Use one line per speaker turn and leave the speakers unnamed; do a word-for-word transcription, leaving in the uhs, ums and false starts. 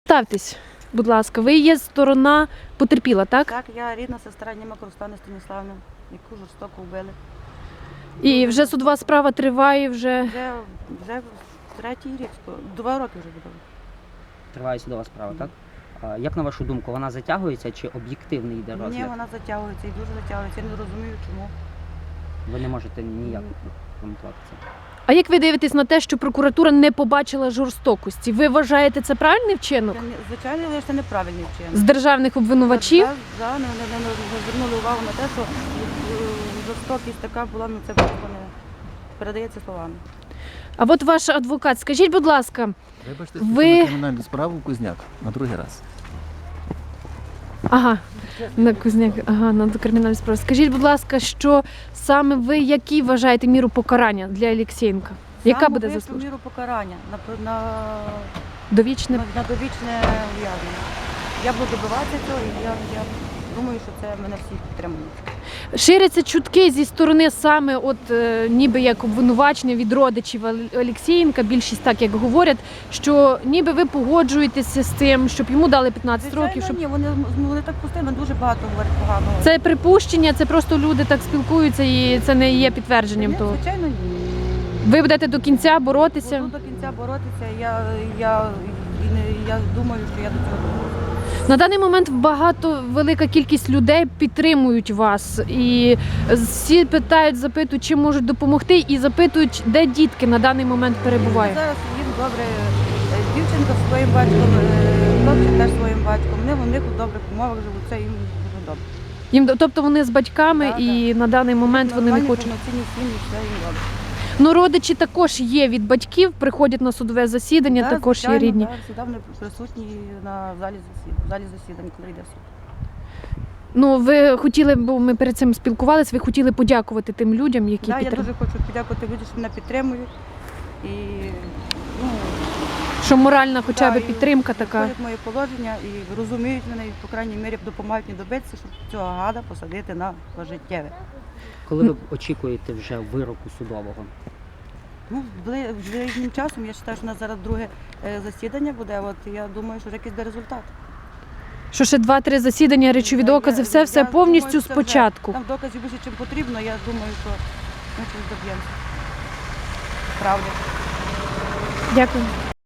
Представтесь, будь ласка, ви є сторона потерпіла, так?
Так, я рідна сестра Німак Руслани Станіславівни, яку жорстоко вбили.
І вже судова справа триває, вже...
Вже, вже третій рік, два роки вже буде.
Триває судова справа, так? А як на вашу думку, вона затягується чи об'єктивний йде розгляд?
Ні, вона затягується і дуже затягується. Я не розумію, чому.
Ви не можете ніяк коментувати це.
А як ви дивитесь на те, що прокуратура не побачила жорстокості? Ви вважаєте це правильний вчинок?
Це, не- звичайно, але це неправильний
З
вчинок.
державних обвинувачів?
Так, да, не, не, не, не звернули увагу на те, що е, жорстокість така була, ну це просто не передається словами.
А от ваш адвокат, скажіть, будь ласка,
Вибачте,
Ви-
ви... на кримінальну справу Кузняк на другий раз.
ага, на Кузняк, ага, на кримінальну справу. Скажіть, будь ласка, що саме ви, які вважаєте міру покарання для Олексієнка? Яка
Саме
буде
вищу
заслужена?
міру покарання на, на,
Довічне?
на, на довічне ув'язнення. Я буду добиватися цього і я, я думаю, що це мене всі підтримують.
Ширяться чутки зі сторони саме от е, ніби як обвинувачення від родичів Ол- Олексієнка, більшість так як говорять, що ніби ви погоджуєтеся з тим, щоб йому дали п'ятнадцять
Звичайно,
років, щоб
ні, вони, вони так постійно дуже багато говорять поганого.
це припущення, це просто люди так спілкуються і це не є підтвердженням
Ні,
того.
звичайно, ні.
Ви будете до кінця боротися.
Буду до кінця боротися, я, я, і не, я думаю, що я до цього доберуся.
На даний момент багато, велика кількість людей підтримують вас. І всі питають, запитують, чи можуть допомогти, і запитують, де дітки на даний момент перебувають.
Зараз їм добре, е, дівчинка зі своїм батьком, е, хлопчик теж зі своїм батьком. Вони в них у добрих умовах живуть, це їм дуже добре.
Їм, тобто вони з батьками,
Да,
і на даний момент вони не
Нормальні,
хочуть.
повноцінні сім'ї, все їм добре.
Ну, родичі також є від батьків, приходять на судове засідання,
Да,
також є
звичайно,
рідні.
да, завжди вони присутні на залі засідань, в залі засідань, коли йде суд.
Ну, ви хотіли, бо ми перед цим спілкувалися, ви хотіли подякувати тим людям, які
Да, я
підтримують.
дуже хочу подякувати людям, що мене підтримують. І, ну,
Що моральна хоча
да,
б
і
підтримка така.
входять в моє положення і розуміють мене, і, по крайній мірі, допомагають мені добитися, щоб цього гада посадити на пожиттєве.
Коли ви очікуєте вже вироку судового?
Ну, бли- ближнім часом, я вважаю, що у нас зараз друге е, засідання буде, от я думаю, що вже якийсь буде результат.
Що ще два-три засідання, речові
Я-
докази,
я-
все, все
я
повністю
думаю, що це вже-
спочатку.
Там доказів більше, чим потрібно, я думаю, що ми щось доб'ємося. Правда.
Дякую.